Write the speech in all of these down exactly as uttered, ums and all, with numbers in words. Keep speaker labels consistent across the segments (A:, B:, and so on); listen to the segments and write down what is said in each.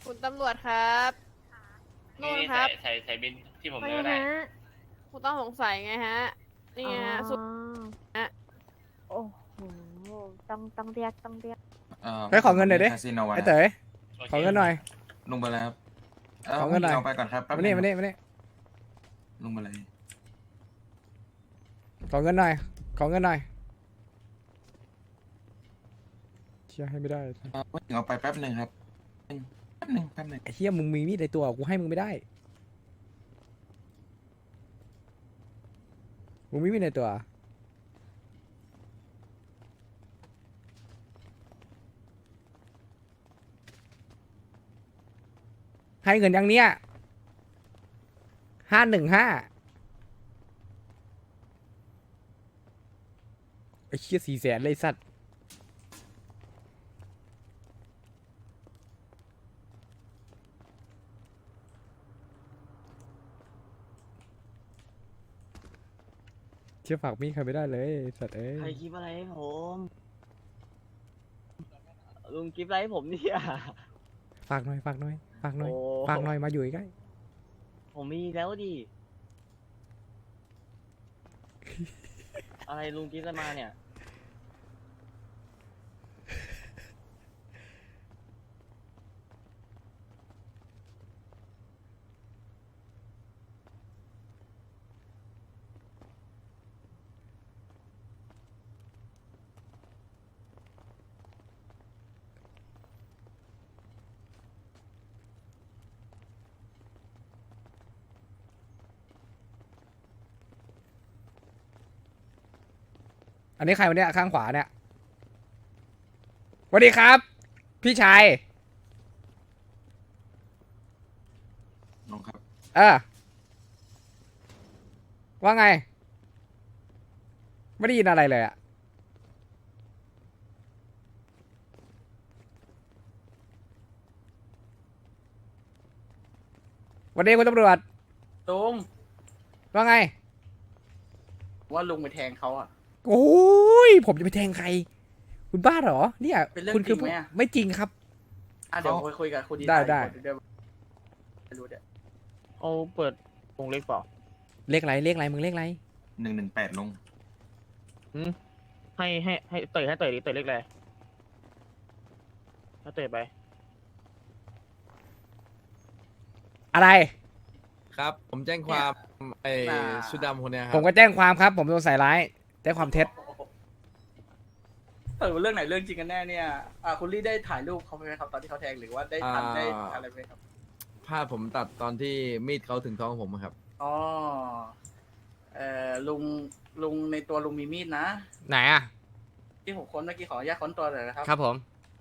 A: คุณตำรวจครับนู่นครับ
B: ใส่ใส่บินที่ผม
C: ว่า
B: เลย
C: ไง
B: ก็ได้
C: ฮะ
A: คุณต้องสงสัยไงฮะนี่
C: อ๋อ
A: ไงฮะสุดฮะ
C: โอ้โหต้องต้องเรียกต้องเรียก
D: เฮ้ยขอเงินหน่อยดิ
E: คาสิโน
D: ไอ้
E: นะ
D: เต๋อ
B: โค
D: ขอเงินหน่อย
E: ลุงไปแล้วครับ
D: ขอเงินหน่อย
E: เอาไปก่อนครับแป๊บ
D: มา
E: นึ
D: นี่
E: ง
D: มานี่มานี่
E: ลุงไปเลย
D: ขอเงินหน่อยขอเงินหน่อยเชี่ยให้ไม่ได้
E: เอาเอาไปแป๊บหนึ่งครับแป๊บหนึ่งแป๊บหนึ่ง
D: ไอ้เหี้ยมึงมีมีดในตัวกูให้มึงไม่ได้มึงมีมีดในตัวให้เงินยังเนี้ยห้าหนึ่งห้าไอ้เชี่ยสี่แสนเลยสัตว์เชี่ยฝากมีดใครไม่ได้เลยสัตว์เอ้ย
F: ใครกิฟอะไรให้ผม ลุงกิฟอะไรให้ผมเนี่ย
D: ฝากหน่อยฝากหน่อยฝากหน่อย
F: โอ้
D: ฝากหน่อยมาอยู่ใกล้
F: ผมมีแล้วดิ อะไรลุงกิฟอะไรมาเนี่ย
D: อันนี้ใครวะเนี่ยข้างขวาเนี่ยสวัสดีครับ พี่ชาย
E: ลุงครับ
D: เออว่าไง ไม่ได้ยินอะไรเลยอะวันนี้คุณตำรวจ
G: ลุง
D: ว่าไง
G: ว่าลุงไปแทงเขาอ่ะ
D: โอ้ยผมจะไปแทงใคร คุณบ้าเหรอ เนี่ย
G: เป็นเรื่อง
D: คุณคื
G: จริงไหมอะ
D: ไม่จริงครับ
G: อ่ะเดี๋ยวคุยคุยกับคุณดี
D: ได้ได้
G: เยวไม่รู้เดี๋ยว
F: เอาเปิดวงเล็กเปล่า
D: เลขอะไรเลขอะไรมึงเลขอะไร
E: หนึ่งหนึ่งแปดลุง
F: ให้ให้ให้เตยให้เตยดิเตยเล็กเลยให้เตยไป
D: อะไร
H: ครับ ผมแจ้งความไอ้ชุดดำคนเนี้ยครั
D: ผมก็แจ้งความครับ ผมโดนใส่ร้ายแจ้งความเท็จ
G: เออเรื่องไหนเรื่องจริงกันแน่เนี่ยอ่าคุณลี่ได้ถ่ายรูปเขาไหมครับตอนที่เขาแทงหรือว่าได้ทันได้อะไรไหมครับ
H: ภาพผมตัดตอนที่มีดเขาถึงท้องผมอะครับ
G: อ๋อเอ่อลุงลุงในตัวลุงมีมีดนะ
D: ไหนอะ
G: ที่ผมค้นเมื่อกี้ขออนุญาตค้นตัวเลยนะครับ
D: ครับผม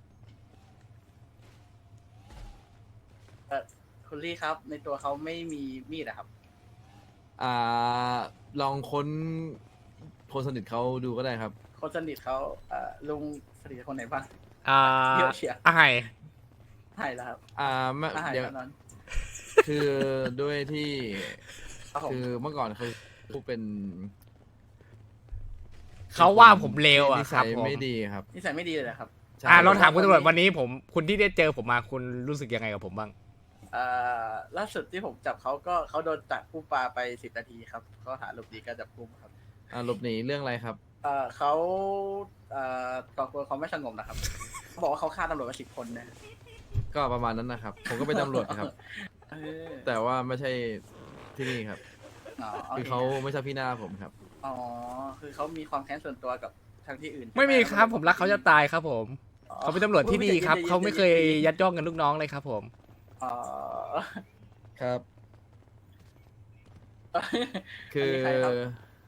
G: คุณลี่ครับ ในตัวเขาไม่มีมีดอะครับ
H: อ่า ลองค้นคนสนิทเขาดูก็ได้ครับ
G: คนสนิทเขาเอ่อลุงสนิทคนไหนบ้าง
D: อ่า
G: เยอะเชียร์
D: อะไร
G: ใช่แล้วครับ
H: อ่าไม่
G: อาหาร
H: เดี๋ยว
G: แน่นอน
H: คือด้วยที่
G: ครับผม
H: คือเมื่อก่อนเขาเป็น
D: เขาว่าผมเลวอะ
H: นิ
D: ค
H: สั
D: รับ
H: ย
D: ผม
H: ไม่ดีครับ
G: นิสัยไม่ดีเลยเหรอครับ
H: ใช่
D: อ่าลองถามคุณตำรวจวันนี้ผมคุณที่ได้เจอผมมาคุณรู้สึกยังไงกับผมบ้าง
G: เอ่อล่าสุดที่ผมจับเขาก็เขาโดนจับผู้ปลาไปสิบนาทีครับเขาหาหลบหนีการจับกุมครับ
H: อ่าหลบหนีเรื่องอะไรครับ
G: เอ่อเขาเอ่อก่อกวนความไม่สงบนะครับเขาบอกว่าเขาฆ่าตำรวจมาสิบคนนะ
H: ก็ประมาณนั้นนะครับ ผมก็เป็นตำรวจครับ
G: เออ
H: แต่ว่าไม่ใช่ที่นี่ครับ
G: อ๋อโอ
H: คือ
G: เค
H: เขาไม่ใช่พี่หน้าผมครับ
G: อ๋อคือเขามีความแค้นส่วนตัวกับทางที่อื่น
D: ไม่มีครับผมรักเขาจะตายครับผม
G: อ๋อ
D: เขาเป็นตำรวจที่ดีครับ เขาไม่เคยยัดย่องกันลูกน้องเลยครับผม
G: อ๋อ
H: ครับ คือ
G: อันนี้ใครครับ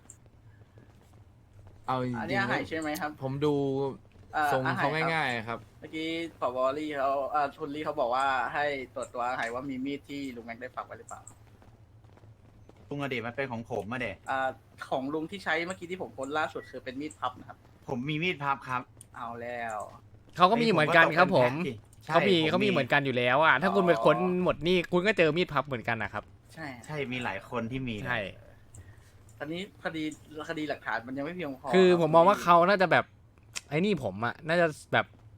H: เอาจริ
G: อัน
H: ง
G: นี้อาหาร
H: ๆ
G: ใช่ไหมครับ
H: ผมดู
G: เอ่อ
H: ทรง
G: อาห
H: เขา
G: ครับ
H: ง่ายๆครับ
G: เมื่อกี้ผบลี่เขาอ่าทุนลี่เขาบอกว่าให้ตรวจตัวอาหารว่ามีมีดที่ลุงแม็กได้ฝากไว้หรือเปล่า
I: ลุงอดีตมันเป็นของผมมาเด็
G: อ่าของลุงที่ใช้เมื่อกี้ที่ผมค้นล่าสุดคือเป็นมีดพับนะครับ
I: ผมมีมีดพับครับ
G: เอาแล้ว
D: เขาก็มีเหมือนกันครับผม
I: ใช่
D: เขามี
I: ผ
D: เขามีเหมือนกันอยู่แล้วอ่ะถ้าคุณไปค้นหมดนี่คุณก็เจอมีดพับเหมือนกันนะครับ
G: ใช่
I: ใช่มีหลายคนที่มีนะ
D: ใช่
G: ตอนนี้คดีคดีหลักฐานมันยังไม่เพียงพอ
D: คือ
G: รับ
D: ผมมองว่าเขาน่าจะแบบไอ้นี่ผมอ่ะน่าจะแบบ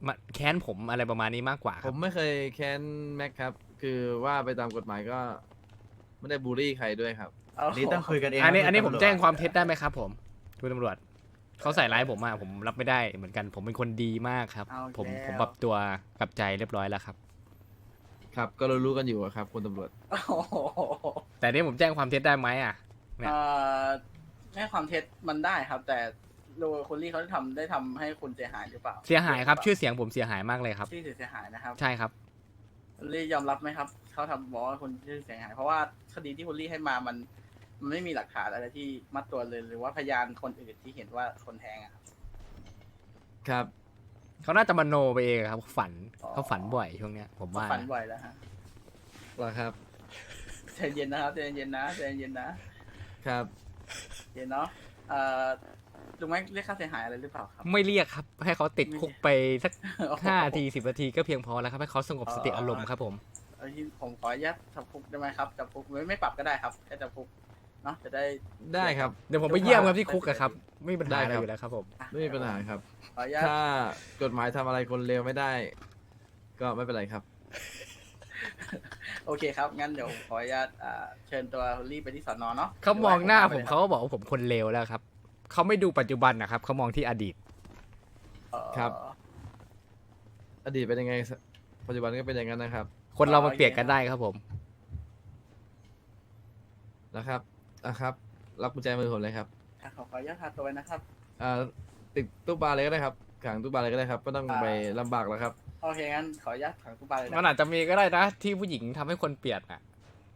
D: มาแค้นผมอะไรประมาณนี้มากกว่าค
H: ผ
D: รับ
H: มไม่เคยแค้นแม็กครับ คือว่าไปตามกฎหมายก็ ไม่ได้บูลลี่ใครด้วยครับ
G: เอา
I: นี่ต้องคุยกันเอง
D: อันนี้
I: ครับ
D: อันนี้
I: คุ
D: ผ
I: ณ
D: ม
I: ตำรวจ
D: แจ้งความเท็จได้ไหมครับผมคุณตำรวจเขาใส่ร้ายผมมาผมรับไม่ได้เหมือนกัน ผมเป็นคนดีมากครับ
G: เอา
D: ผม
G: แล้ว
D: ผมปรับตัวกลับใจเรียบร้อยแล้วครับ
H: ครับ ก็รู้ๆกันอยู่อะครับคุณตำรวจ
G: โอ้โห
D: แต่นี่ผมแจ้งความเท็จได้ไหมอ่ะ เนี่ย
G: เอ่อให้ความเท็จมันได้ครับ แต่โดยคุณลี่เขาทำได้ทำให้คุณเสียหายหรือเปล่า
D: เสียหายครับชื่อเสียงผมเสียหายมากเลยครับ
G: ชื่อเสียหายนะครับ
D: ใช่ครับ
G: คุณลี่ยอมรับไหมครับเขาทำบอกว่าคุณชื่อเสียหาย เพราะว่าคดีที่คุณลี่ให้มามัน มันไม่มีหลักฐานอะไรที่มัดตัวเลย หรือว่าพยานคนอื่นที่เห็นว่าคนแทงอะครับ
H: ครับ
D: เขาน่าจะมโนไปเองครับฝัน
G: อ๋อ
D: เขาฝันบ่อยช่วงเนี้ย ผมว่า
G: ฝัน
D: นะ
G: บ่อยแล้วฮะ
H: เหรอครับ
G: ใจเย็นนะครับใจเย็นนะใจเย็นนะครับ เย็นเนาะเอ่อลุงแม็กเรียกค่าเสียหายอะไรหรือเปล่าครับ
D: ไม่เรียกครับ ให้เขาติดคุกไปสัก
G: โอ้โ
D: ห้านาทีสิบนาทีก็เพียงพอแล้วครับให้เขาสงบสติอารมณ์ครับผม
G: เอ้ยผมขออนุญาตจับคุกได้ไหมครับจับคุกไม่ไม่ปรับก็ได้ครับแค่จับคุกเนาะจะได้
H: ได้ครับ
D: เดี๋ยวผมไปเยี่ยมครับที่คุกอะครับ ไม่มีปัญหาอะไร
H: ได้ครับ
D: อยู่แล้วครับผม
G: อ่ะ
H: ไม่มีปัญหาครับ
G: ขออนุญาต
H: ถ้ากฎหมายทำอะไรคนเลวไม่ได้ ก็ไม่เป็นไรครับ
G: โอเคครับ งั้นเดี๋ยวขออนุญาตอ่าเชิญตัวคุณลี่ไปที่สอนอเนาะ
D: เขามองหน้าผม
G: ดี๋ยว
D: เขาก็บอกว่าผมคนเลวแล้วครับเขาไม่ดูปัจจุบันนะครับเขามองที่อดีต
G: เอ่อ
H: ครับ อดีตเป็นยังไง ปัจจุบันก็เป็นอย่างนั้นนะครับ
D: คนเรามันเปลี่ยนกันได้ครับผม
H: นะครับนะครับรับกุญแจมือผมเลยครับ
G: อ่ะขอขออนุญาตพาตัวไปนะครับ
H: อ่าติดตู้ปลาเลยก็ได้ครับขังตู้ปลาเลยก็ได้ครับไม่ต้องไปลำบากแล้วครับ
G: โอเคงั้นขออนุญาตขังตู้ปลาเลยนะ
D: มันอาจจะมีก็ได้นะที่ผู้หญิงทำให้คนเปลี่ยนอ่ะ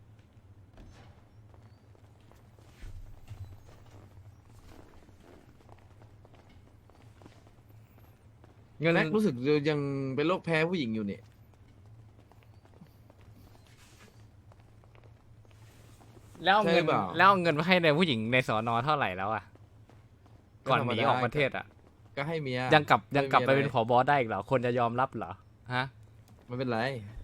D: เงิน
H: แม็กรู้สึกยังเป็นโรคแพ้ผู้หญิงอยู่นี่
D: แล้วเอาเงิน
H: ใช่เปล่า
D: แล้วเอาเงินมาให้ในผู้หญิงในสอนอเท่าไหร่แล้วอ่ะ ก่อนหนีออกประเทศอ่ะ
H: ก็ให้เมีย
D: ยังกลับยังกลับไป
H: ไม่มี
D: เป็น
H: อะไร
D: ผบได้อีกเหรอ คนจะยอมรับเหรอ ฮะ
H: ไม่เป็นไร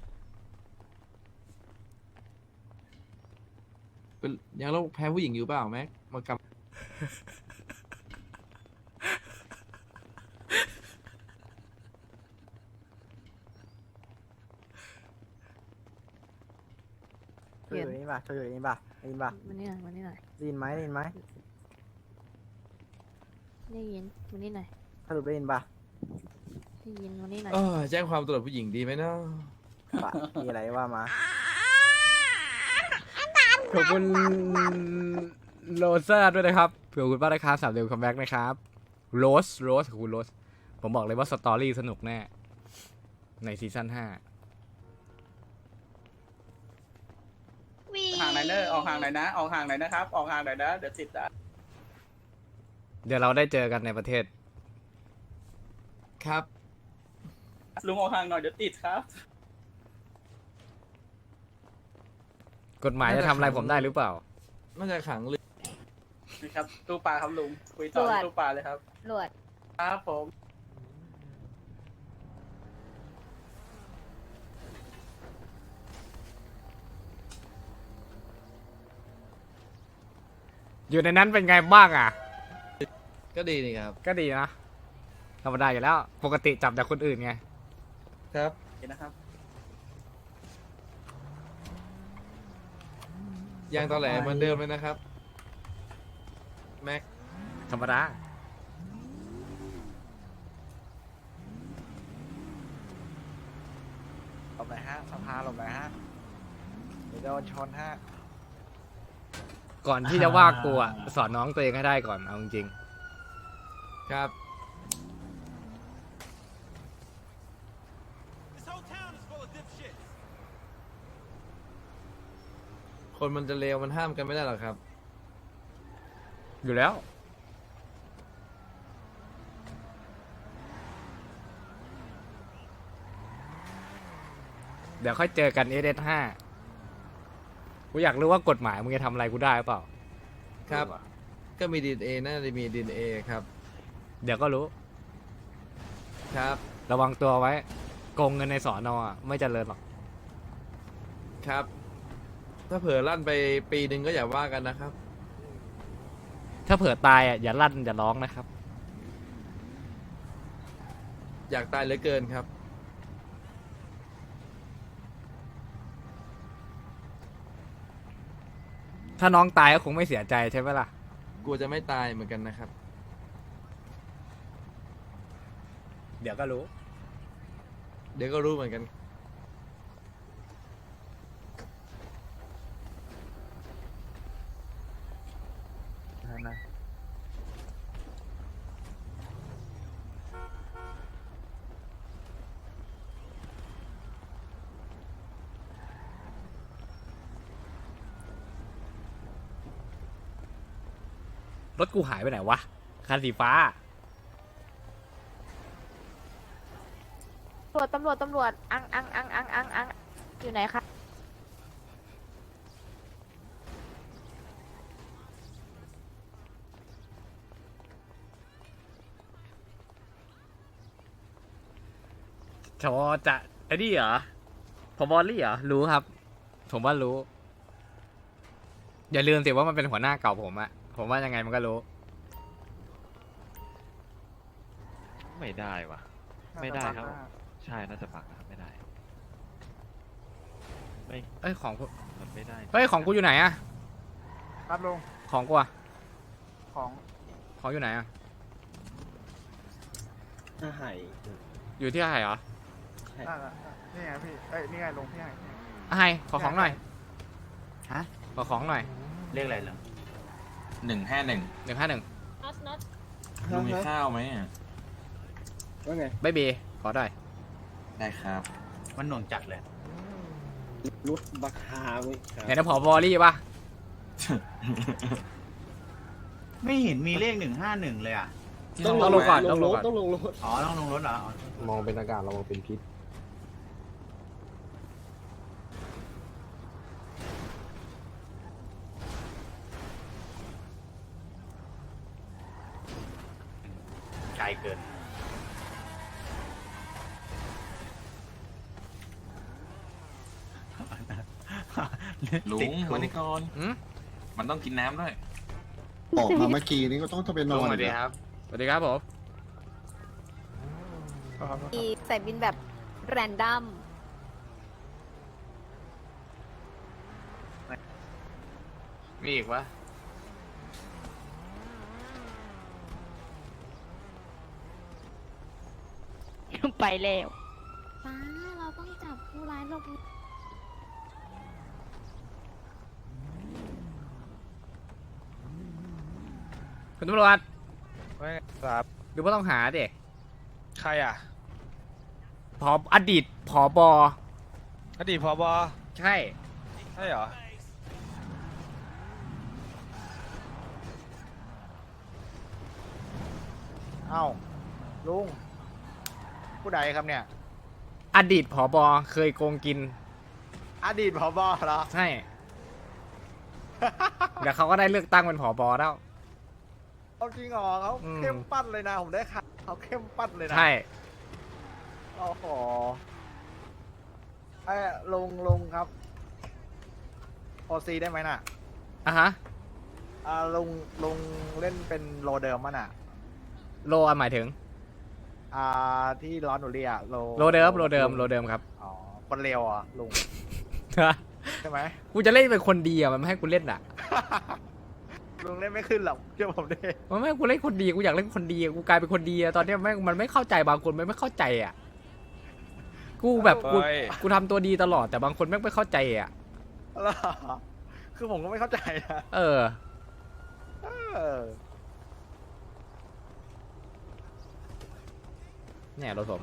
H: เป็นยังโรคแพ้ผู้หญิงอยู่เปล่าแม็กมากำ
B: โชว์อยู่นี่ป่ะโชว์อยู่นี่ป่ะได้ยินป่ะ
A: มันนี่หน่อยมันนี่หน่อย
B: ได้ยินไหมได้ยินไหม
A: ได้ยินมันนี่หน่อย
B: สรุปได้ยินป่ะ
A: ได้ยินมันนี่หน่อย
H: เออแจ้งความตรวจผู้หญิงดีไหมเนาะ
B: ป่ะมีอะไรว่ามา
D: ขอบคุณโรซ่าด้วยนะครับขอบคุณมากนะครับสามเดือนคัมแบ็กนะครับโรสโรสขอบคุณโรสผมบอกเลยว่าสตอรี่สนุกแน่ ในซีซั่นห้า
G: ห่างไหนเนอร์ออกห่างไหนอยนะ ออกห่างไหนอยนะครับ ออกห่างไหนอยนะ เดี๋ยวติดอ่ะ
D: เดี๋ยวเราได้เจอกันในประเทศ
H: ครับ
G: ลุงออกห่างหน่อยเดี๋ยวติดครับ
D: กฎหมายจะทำอะไรผมได้หรือเปล่า
H: น่าจะขังเลย
G: นี่ครับ ตู้ปลาครับลุง คุยต่อที่ตู้ปลาเลยครับ
A: รวด
G: ครับผม
D: อยู่ในนั้นเป็นไงบ้างอ่ะ
H: ก็ดีนี่ครับ
D: ก็ดีนะธรรมดาอยู่แล้ว ปกติจับแต่คนอื่นไง
H: ครับ
G: โอเคนะครับ
H: ยังตอแหลเหมือนเดิมเลยนะครับแม็ก
D: ธรรมดา
B: หลบไหนฮะสภาหลบไหนฮะเดี๋ยวโดนชนฮะ
D: ก่อนที่จะว่ากูอ่ะสอนน้องตัวเองให้ได้ก่อนเอาจริง
H: ครับ คนมันจะเลวมันห้ามกันไม่ได้หรอกครับ
D: ๆอยู่แล้ว เดี๋ยวค่อยเจอกัน เอส เอส ห้า กูอยากรู้ว่ากฎหมายมึงจะทำอะไรกูได้หรือเปล่า
H: ครับ ก็มีดีเอน่าจะมีดีเอครับ
D: เดี๋ยวก็รู้
H: ครับ
D: ระวังตัวไว้ โกงเงินในสอนอ่ะ ไม่เจริญหรอก
H: ครับ ถ้าเผลอลั่นไปปีหนึ่งก็อย่าว่ากันนะครับ
D: ถ้าเผื่อตายอ่ะอย่าลั่นอย่าร้องนะครับ
H: อยากตายเหลือเกินครับ
D: ถ้าน้องตายก็คงไม่เสียใจใช่ไหมล่ะ
H: กลัวจะไม่ตายเหมือนกันนะครับ
D: เดี๋ยวก็รู้
H: เดี๋ยวก็รู้เหมือนกัน
B: นะ
D: รถกูหายไปไหนวะ คันสีฟ้า
C: ตำรวจตำรวจตำรวจอังอังอังอังอังอังอยู่ไหนคะ
D: ชอจะไอ้นี่เหรอพอบอลลี่เหรอ รู้ครับ ผมว่ารู้ อย่าลืมสิว่ามันเป็นหัวหน้าเก่าผมอะผมว่ายังไงมันก็รู้
J: ไม่ได้วะไม่ได้ครับ ใช่น่าจะปักนะครับไม่ได้ไม่
D: เอ้ยของกู
J: มันไม่ได้
D: เฮ้ยของกูอยู่ไหนอะ
B: ครับลุง
D: ของกูอะ
B: ของ
D: ของอยู่ไหนอะ
F: ถ้าหาย
D: อยู่ที่ไหนเหรอ
B: น่าจะนี่ไงพี่เอ้ยนี่ไงลุงพี่ไง
D: อะไฮขอของหน่อย
I: ฮะ
D: ขอของหน่อย
I: เรียกอะไรเหรอ
H: หนึ่งห้าหนึ่ง
D: หนึ่งห้าหนึ่ง
H: ลุงมีข้าวไหมอ่ะ
F: ว่าไง
D: ใบเบขอได้
H: ได้ครับ
I: มันหน่วงจัดเลย
F: รุดบักฮาไหมครับ
D: ไหนนะผอบอลลี่ปะ
I: ไม่เห็นมีเลขหนึ่งห้าหนึ่งเลยอ่ะ
D: ต้องลงก่อน
F: ล
D: ต้อง
F: ง
D: ล
F: รง ถ
D: ก่อน
F: ต้องลงรถ
I: อ๋อ ต้องลงรถเหรออ๋อ
F: มองเป็นอากาศระวังเป็นพิษ
I: ไกลเกิน
H: ลุ
I: ติด
H: ง
I: คุก
H: วันนี้ก่อน
D: อืม
H: มันต้องกินน้ำด้วย
K: ออกมาเมื่อกี้นี้ก็ต้องต้องไปน
D: ล
K: อง น
D: สวัสดีครับ สวัสดีครับผม
C: มีใส่บินแบบแรนดัม
D: มีอีกวะ
C: ไปแล้ว
A: ป้าเราต้องจับผู้ร้ายลง
D: คุณตำรวจ
B: ไม่ครับ
D: ดูว่าต้องหาดิ
B: ใครอ่ะ
D: ผออดีตผอบอ
B: อดีตผบ
D: ใช่
B: ใช่เหรอเอ้าลุงผู้ใดครับเนี่ย
D: อดีตผอบอเคยโกงกิน
B: อดีตผบเหรอ
D: ใช่ เดี๋ยวเขาก็ได้เลือกตั้งเป็นผอบอแล้ว
B: เอาจริงเหรอเขา
D: อืม
B: เข้มปั้นเลยนะผมได้ข่าวเขาเข้มปั้นเลยนะ
D: ใช่
B: โอ้โหไอ้ยลุงลุงครับโอซีได้ไหมน่ะ
D: อ่ะฮะ
B: อ่าลุงลุงเล่นเป็นโลเดิมมั้ยน่ะ
D: โลอ่ะหมายถึง
B: อ่าที่ร้อนหนูเรียโล
D: โลเดิม โลเดิม โลเดิมครับ
B: อ๋อคนเร็วอ่ะลุงใช่ไหม
D: กูจะเล่นเป็นคนดีอ่ะ มันไม่ให้กูเล่นอ่ะ
B: ลุงเล่นไม่ขึ้นหรอกเชื่อผมดิ
D: มันไม่ให้กูเล่นคนดี กูอยากเล่นคนดีอะกูกลายเป็นคนดีอะตอนเนี้ยแม่งมันไม่เข้าใจบางคนมันไม่เข้าใจอ่ะ กูแบบกู
B: เฮ้ย
D: กูทำตัวดีตลอดแต่บางคนแม่งไม่เข้าใจอ่ะ
B: แล้วคือผมก็ไม่เข้าใจนะ
D: เออ
B: เออ
D: เนี่ยรถผม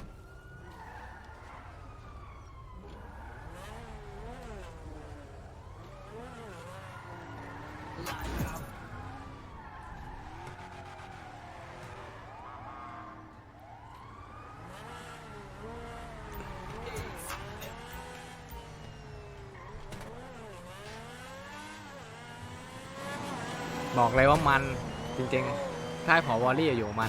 D: บอกเลยว่ามันจริงๆค่ายผอวอลลี่อยู่มัน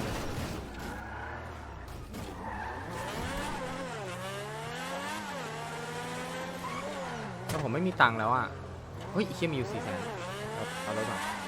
D: แต่ผมไม่มีตังค์แล้วอ่ะ เฮ้ยไอ้เชี่ยมีอยู่สี่แสนเอาเอารถมา